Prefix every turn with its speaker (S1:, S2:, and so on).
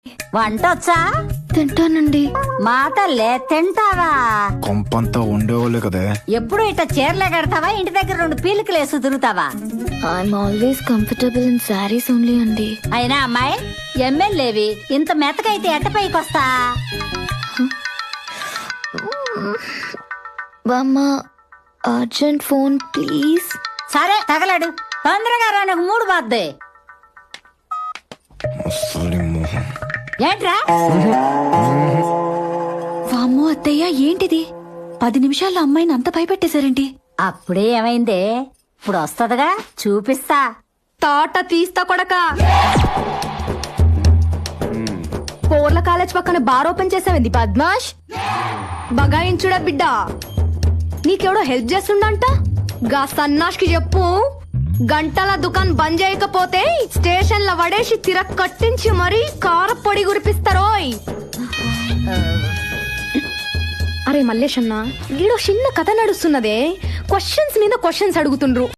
S1: వంటొచ్చా?
S2: తింటానండి.
S1: మా తల్లే తింటావా?
S3: కొంపంతా ఉండేవాళ్ళే కదే.
S1: ఎప్పుడు ఇట్లా చీరలే కడతావా? ఇంటి దగ్గర 2 పీలికలు వేసి తిరుగుతావా?
S2: I'm always comfortable in saris only అండి.
S1: అయినా అమ్మాయి ఎమ్మెల్యేవి ఇంత మెత్తకైతే ఎట్ట పైకొస్తా?
S2: బామ్మ అర్జెంట్ ఫోన్ ప్లీజ్.
S1: సరే తగలడు, తొందరగా రా, నాకు 3 బాద్దే. ఏంట్రా?
S2: వామ్మో అత్తయ్య, ఏంటిది? 10 నిమిషాల్లో అమ్మాయిని అంత భయపెట్టేశారేంటి?
S1: అప్పుడే ఏమైందే? ఇప్పుడు వస్తదిగా, చూపిస్తా.
S4: తాట తీస్తా కొడక. పోర్ల కాలేజ్ పక్కన బార్ ఓపెన్ చేసావింది పద్మాష్. బగాయించుడా బిడ్డ, నీకెవడో హెల్ప్ చేస్తుండంట. గా సన్నాష్ కి చెప్పు, గంటల దుకాణం బంద్ చేయకపోతే స్టేషన్ లో వడేసి తిరగ కట్టించి మరీ కారపొడి గురిపిస్తారోయ్. అరే మల్లేష్ అన్న, ఈడో చిన్న కథ నడుస్తున్నదే. క్వశ్చన్స్ మీద క్వశ్చన్స్ అడుగుతుండ్రు.